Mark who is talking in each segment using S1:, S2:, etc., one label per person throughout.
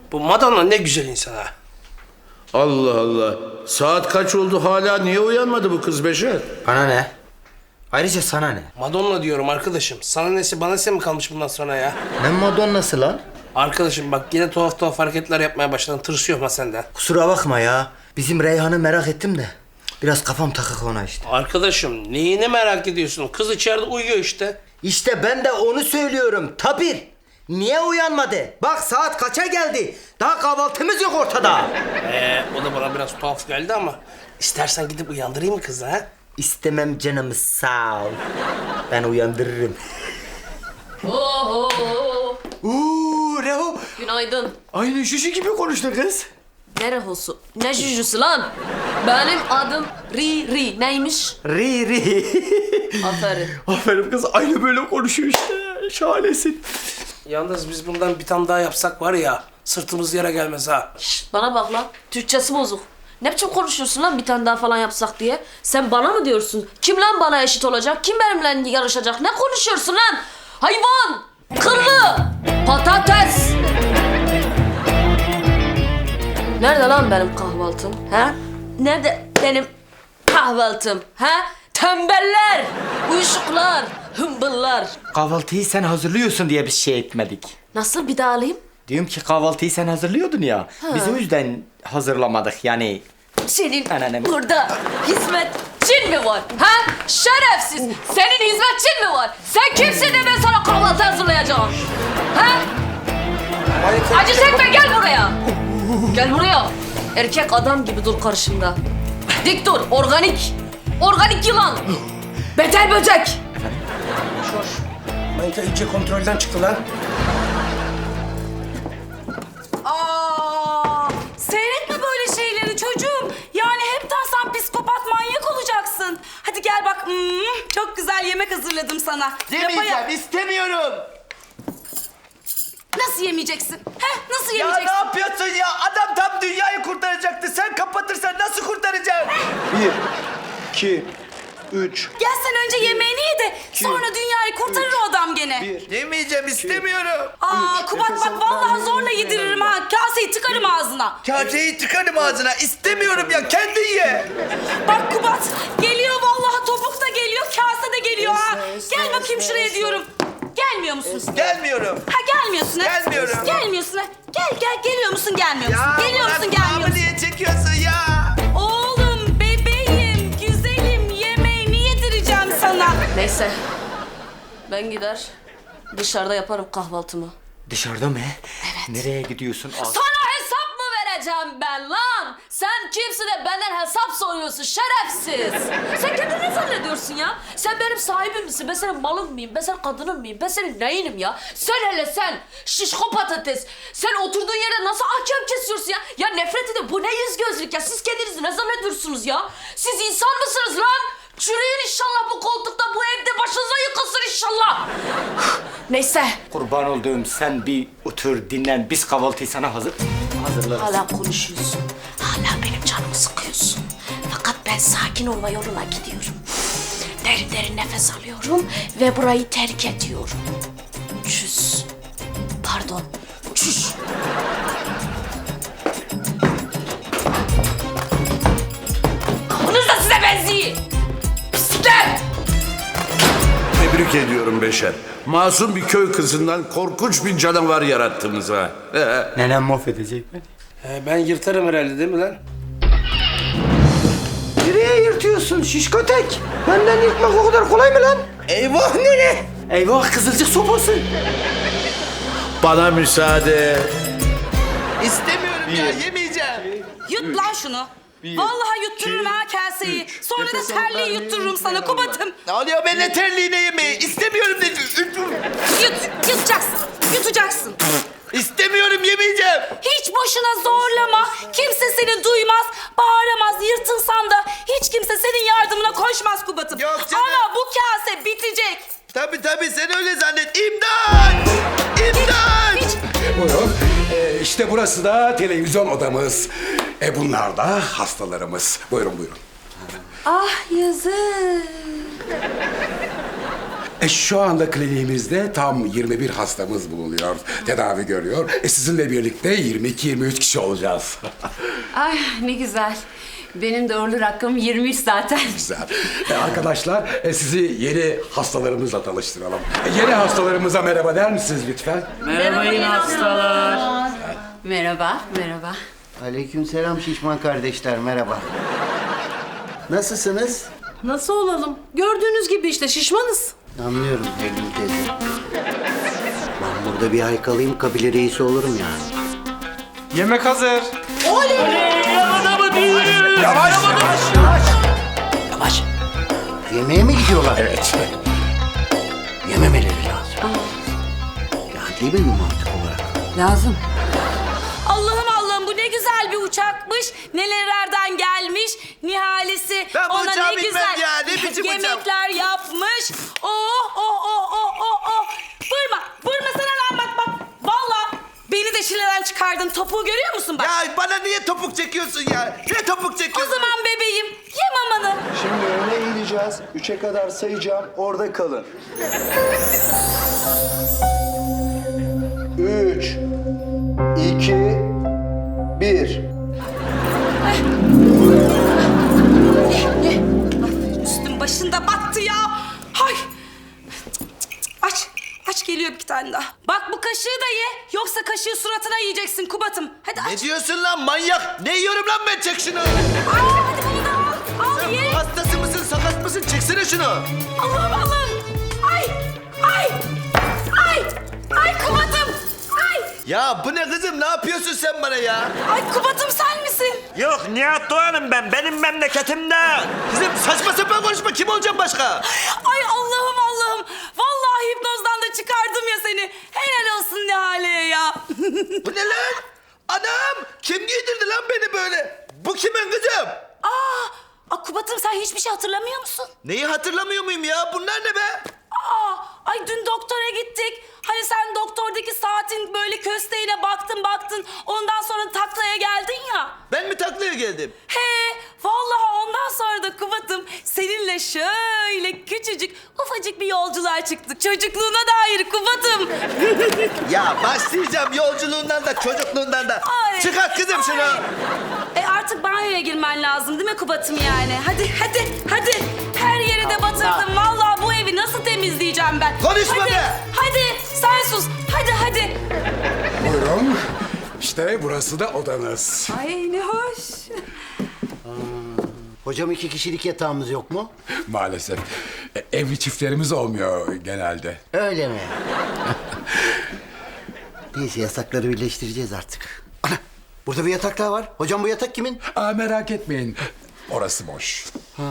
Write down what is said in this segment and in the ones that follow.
S1: Bu Madonna ne güzel insan ha.
S2: Allah Allah. Saat kaç oldu hala niye uyanmadı bu kız Beşer?
S3: Bana ne? Ayrıca sana ne?
S1: Madonna diyorum arkadaşım. Sana nesi bana nesi mi kalmış bundan sonra ya?
S3: Ne Madonna'sı lan?
S1: Arkadaşım bak yine tuhaf tuhaf hareketler yapmaya başladın. Tırsıyorum ha senden.
S3: Kusura bakma ya. Bizim Reyhan'ı merak ettim de. Biraz kafam takık ona işte.
S1: Arkadaşım neyini merak ediyorsun? Kız içeride uyuyor işte.
S3: İşte ben de onu söylüyorum. Tabir. Niye uyanmadı? Bak saat kaça geldi? Daha kahvaltımız yok ortada.
S1: O da bana biraz tuhaf geldi ama istersen gidip uyandırayım mı kızı ha?
S3: İstemem canımız sağ ol. Ben uyandırırım.
S4: Oho.
S3: Uuu Reho.
S4: Günaydın.
S3: Aynı şuşu gibi konuştun kız.
S4: Ne rehosu? Ne jüjüsü lan? Benim adım Ri. Neymiş?
S3: Ri.
S4: Aferin.
S3: Aferin kız aynı böyle konuşuyor işte. Şahanesin.
S1: Yalnız biz bundan bir tane daha yapsak var ya sırtımız yere gelmez ha.
S4: Şşt, bana bak lan. Türkçesi bozuk. Ne biçim konuşuyorsun lan bir tane daha falan yapsak diye? Sen bana mı diyorsun? Kim lan bana eşit olacak? Kim benimle yarışacak? Ne konuşuyorsun lan? Hayvan! Kırlı! Patates! Nerede lan benim kahvaltım? He? Nerede benim kahvaltım? He? Tembeller! Uyuşuklar! Hımbıllar!
S3: Kahvaltıyı sen hazırlıyorsun diye biz şey etmedik.
S4: Nasıl bir daha alayım?
S3: Diyorum ki kahvaltıyı sen hazırlıyordun ya. Biz o yüzden hazırlamadık yani.
S4: Senin
S3: Anneannem.
S4: burada hizmetçin mi var? Ha? Şerefsiz! Senin hizmetçin mi var? Sen kimsin de ben sana kahvaltı hazırlayacağım? Ha? Acı çekme gel buraya! Gel buraya! Erkek adam gibi dur karşımda. Dik dur, organik! Organik yılan! Beter böcek!
S1: Manita iyice kontrolden çıktı lan.
S5: Seyretme böyle şeyleri çocuğum. Yani hepten sen psikopat manyak olacaksın. Hadi gel bak. Çok güzel yemek hazırladım sana.
S3: istemiyorum.
S5: Nasıl yemeyeceksin? Nasıl
S3: Ya
S5: yemeyeceksin?
S3: ne yapıyorsun ya? Adam tam dünyayı kurtaracaktı. Sen kapatırsan nasıl kurtaracaksın?
S2: 1, 2, 3.
S5: Gel sen önce yemeğini ye de sonra dünyayı kurtarır o adam gene.
S3: Yemeyeceğim, istemiyorum.
S5: Kubat bak vallahi zorla yediririm ha. Kaseyi tıkarım ağzına.
S3: Kaseyi tıkarım ağzına. İstemiyorum ya, kendin ye.
S5: Bak Kubat geliyor vallahi topuk da geliyor kase de geliyor ha. Gel bakayım şuraya diyorum. Gelmiyor musun?
S3: Gelmiyorum.
S5: Ha gelmiyorsun ha?
S3: Gelmiyorum.
S5: Gelmiyorsun ha? Gel geliyor musun gelmiyor musun? Geliyor musun gelmiyor musun?
S3: niye çekiyorsun ya?
S5: Oğlum bebeğim güzelim yemeğini yedireceğim sana.
S4: Neyse. Ben gider dışarıda yaparım kahvaltımı.
S3: Dışarıda mı? Evet. Nereye gidiyorsun?
S4: Sana hesap mı vereceğim ben lan? Sen kimsin de benden hesap soruyorsun şerefsiz? Sen kendini ne zannediyorsun ya? Sen benim sahibim misin? Ben senin malın mıyım? Ben senin kadının mıyım? Ben senin neyinim ya? Sen hele sen şişko patates. Sen oturduğun yerde nasıl ahkam kesiyorsun ya? Ya nefret edin bu ne yüz gözlük ya? Siz kendinizi ne zannediyorsunuz ya? Siz insan mısınız lan? Çürüyün inşallah bu koltukta, bu evde başınıza yıkılsın inşallah. Neyse.
S3: Kurban olduğum sen bir otur dinlen. Biz kahvaltıyı sana hazırlarız.
S4: Hala konuşuyorsun. Hala benim canımı sıkıyorsun. Fakat ben sakin olma yoluna gidiyorum. Derin derin nefes alıyorum ve burayı terk ediyorum. Çüss. Pardon. Çüş. Kafanız da size benziyor. Pislikler.
S2: Tebrik ediyorum Beşer. Masum bir köy kızından korkunç bir canavar yarattınız ha.
S3: Nenem mahvedecek beni.
S1: Ben yırtarım herhalde değil mi lan?
S3: Nereye yırtıyorsun şişko tek? Benden yırtmak o kadar kolay mı lan? Eyvah nene. Eyvah kızılcık sopası.
S2: Bana müsaade.
S3: İstemiyorum ya yemeyeceğim.
S5: Yut lan şunu. Vallahi yuttururum ha kaseyi. Sonra da terliği yuttururum sana Kubat'ım.
S3: Ne oluyor benimle terliğine yemeği? İstemiyorum dedi.
S5: Yutacaksın. Yutacaksın.
S3: İstemiyorum yemeyeceğim.
S5: Hiç boşuna zorlama. Kimse seni duymaz, bağıramaz. Yırtınsan da hiç kimse senin yardımına koşmaz Kubat'ım.
S3: Yok canım.
S5: Ama bu kase bitecek.
S3: Tabii sen öyle zannet. İmdat! İmdat!
S5: Hiç
S6: Buyurun. İşte burası da televizyon odamız. Bunlar da hastalarımız. Buyurun.
S5: Ah yazık.
S6: Şu anda kliniğimizde tam 21 hastamız bulunuyor. Tedavi görüyor. Sizinle birlikte 22-23 kişi olacağız.
S7: Ay ne güzel. Benim de uğurlu rakamım 23 zaten.
S6: Güzel. Arkadaşlar sizi yeni hastalarımızla tanıştıralım. Yeni hastalarımıza merhaba der misiniz lütfen?
S7: Merhaba yine hastalar. Merhaba, merhaba.
S3: Aleykümselam şişman kardeşler, merhaba. Nasılsınız?
S8: Nasıl olalım? Gördüğünüz gibi işte şişmanız.
S3: Anlıyorum Eylül teyze. Ben burada bir ay kalayım, kabile reisi olurum yani.
S9: Yemek hazır.
S3: Yavaş. Yemeğe mi gidiyorlar?
S6: Evet.
S3: Yememeleri lazım. Ya değil mi mantık olarak?
S7: Lazım.
S5: Allah'ım bu ne güzel bir uçakmış. Nelerden gelmiş. Nihalesi
S1: Ben bu
S5: ona
S1: uçağa
S5: ne
S1: binmem
S5: güzel
S1: ya, ne biçim uçak?
S5: yemekler yapmış. Oh. Vurma sana lan bak. Valla beni de şileden çıkardın. Topuğu görüyor musun bak?
S1: Ya bana niye topuk çekiyorsun ya? Niye topuk
S5: O
S1: çekiyorsun?
S5: zaman bebeğim ye mamanı.
S9: Şimdi öne eğileceğiz. 3'e kadar sayacağım. Orada kalın. 3, 2, 1.
S5: Üstüm başında battı ya. Hay. Aç geliyor bir tane daha. Bak bu kaşığı da ye. Yoksa kaşığı suratına yiyeceksin Kubat'ım. Hadi
S1: Ne
S5: aç.
S1: diyorsun lan manyak? Ne yiyorum lan ben? Çek şunu.
S5: Hadi bunu da al. Al
S1: Sen
S5: ye.
S1: hastası mısın, sakat mısın? Çeksene şunu.
S5: Allah'ım. Ay Kubat'ım. Ay.
S1: Ya bu ne kızım? Ne yapıyorsun sen bana ya?
S5: Ay Kubat'ım sen misin?
S10: Yok Nihat Doğan'ım ben. Benim memleketimde.
S1: Kızım saçma sapan konuşma. Kim olacağım başka?
S5: Ay Allah'ım. Vallahi hipnozdan da çıkardım ya seni. Helal olsun Nihale'ye ya.
S1: Bu ne lan? Anam! Kim giydirdi lan beni böyle? Bu kimin kızım?
S5: Aa, Kubat'ım sen hiçbir şey hatırlamıyor musun?
S1: Neyi hatırlamıyor muyum ya? Bunlar ne be?
S5: Ay dün doktora gittik. Hani sen doktordaki saatin böyle kösteğine baktın. Ondan sonra taklaya geldin ya.
S1: Ben mi taklaya geldim?
S5: Vallahi ondan sonra da Kubat'ım seninle şöyle küçücük ufacık bir yolculuğa çıktık. Çocukluğuna dair Kubat'ım.
S1: Ya başlayacağım yolculuğundan da çocukluğundan da.
S5: Ay,
S1: Çıkart kızım şunu.
S5: Artık banyoya girmen lazım değil mi Kubat'ım yani? Hadi. Her yeri de batırdım. Vallahi bu evi nasıl temizleyeceğim ben?
S1: Konuşma
S5: hadi,
S1: be!
S5: Hadi sen sus. Hadi.
S6: Buyurun. İşte burası da odanız.
S7: Ay ne hoş.
S3: Hocam 2 kişilik yatağımız yok mu?
S6: Maalesef. Evli çiftlerimiz olmuyor genelde.
S3: Öyle mi? Neyse yasakları birleştireceğiz artık. Ana, burada bir yatak daha var. Hocam bu yatak kimin?
S6: Merak etmeyin. Orası boş.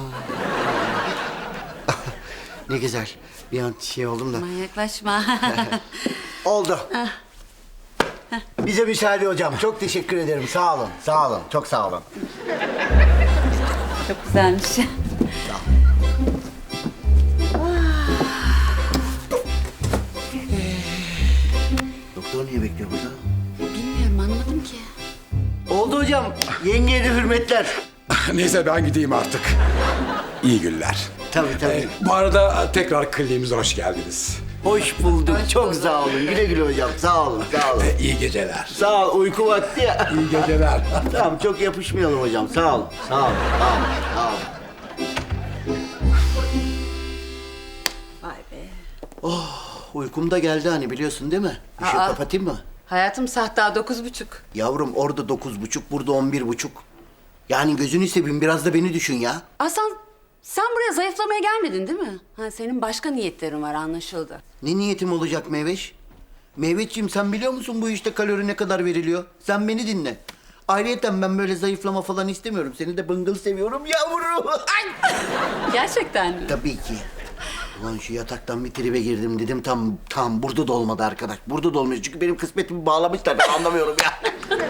S3: Ne güzel. Bir an şey oldum da.
S7: Manyaklaşma.
S3: Oldu. Bize müsaade hocam. Çok teşekkür ederim. Sağ olun. Çok sağ olun.
S7: Çok güzelmiş.
S3: Doktor niye bekliyor burada?
S7: Bilmiyorum anlamadım ki.
S3: Oldu hocam. Yengeye de hürmetler.
S6: Neyse ben gideyim artık. İyi günler.
S3: Tabii.
S6: Bu arada tekrar kliniğimize hoş geldiniz.
S3: Hoş bulduk. Çok sağ olun. Güle güle hocam. Sağ olun.
S6: İyi geceler.
S3: Sağ ol. Uyku vakti ya.
S6: İyi geceler.
S3: Tamam çok yapışmayalım hocam. Sağ ol.
S7: Vay be.
S3: Uykum da geldi hani biliyorsun değil mi? Işığı kapatayım mı?
S7: Hayatım saat daha 9:30.
S3: Yavrum orada 9.30, burada 11.30. Yani gözünü seveyim biraz da beni düşün ya.
S7: Aslan sen buraya zayıflamaya gelmedin değil mi? Senin başka niyetlerin var anlaşıldı.
S3: Ne niyetim olacak Meyveş? Meyveşciğim sen biliyor musun bu işte kalori ne kadar veriliyor? Sen beni dinle. Ayrıyeten ben böyle zayıflama falan istemiyorum. Seni de bıngıl seviyorum yavrum. Ay!
S7: Gerçekten mi?
S3: Tabii ki. Ulan şu yataktan bir tribe girdim dedim tam burada da olmadı arkadaş. Burada da olmuyor çünkü benim kısmetimi bağlamışlar ben anlamıyorum ya.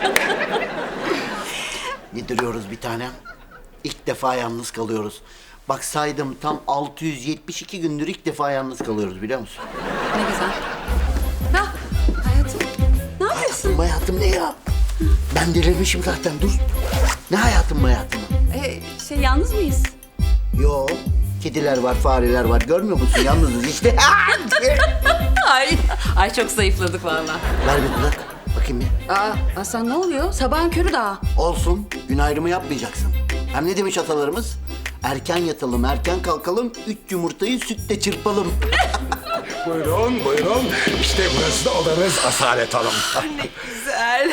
S3: Yediriyoruz bir tane. İlk defa yalnız kalıyoruz. Bak saydım tam 672 gündür ilk defa yalnız kalıyoruz biliyor musun?
S7: Ne güzel. Hayatım ne yapıyorsun?
S3: Hayatım ne ya? Ben delirmişim zaten dur. Ne hayatım?
S7: Yalnız mıyız?
S3: Yo Kediler var, fareler var. Görmüyor musun? Yalnızız işte.
S7: Ay çok zayıfladık vallahi.
S3: Ver bir kulak. Bakayım bir.
S7: Aa Hasan ne oluyor? Sabahın körü daha.
S3: Olsun. Gün ayrımı yapmayacaksın. Hem ne demiş atalarımız? Erken yatalım, erken kalkalım. 3 yumurtayı sütle çırpalım.
S6: Buyurun, buyurun. İşte burası da odanız Asalet Hanım.
S11: Güzel.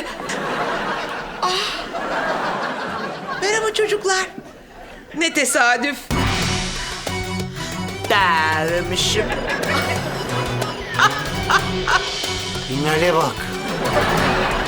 S11: Merhaba çocuklar. Ne tesadüf. Dermişim.
S3: Binlerle bak.